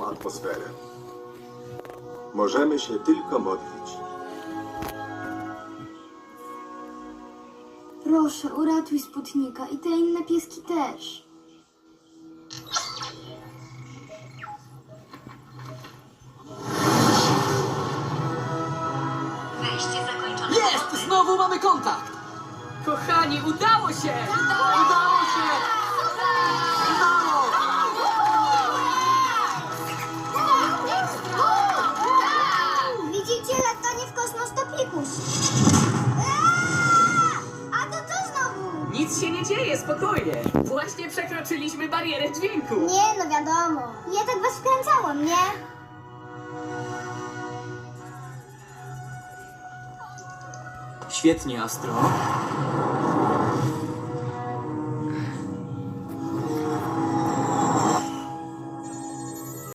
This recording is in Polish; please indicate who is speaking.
Speaker 1: bezpieczną atmosferę. Możemy się tylko modlić.
Speaker 2: Proszę, uratuj Sputnika i te inne pieski też.
Speaker 3: Wejście zakończone.
Speaker 4: Jest! Znowu mamy kontakt! Kochani, udało się! Udało się! Udało!
Speaker 2: Widzicie, latanie w kosmos to pikuś. A to co znowu?
Speaker 4: Nic się nie dzieje, spokojnie. Właśnie przekroczyliśmy barierę dźwięku.
Speaker 2: Nie, no wiadomo. Ja tak was wkręcałam, nie?
Speaker 4: Świetnie, Astro.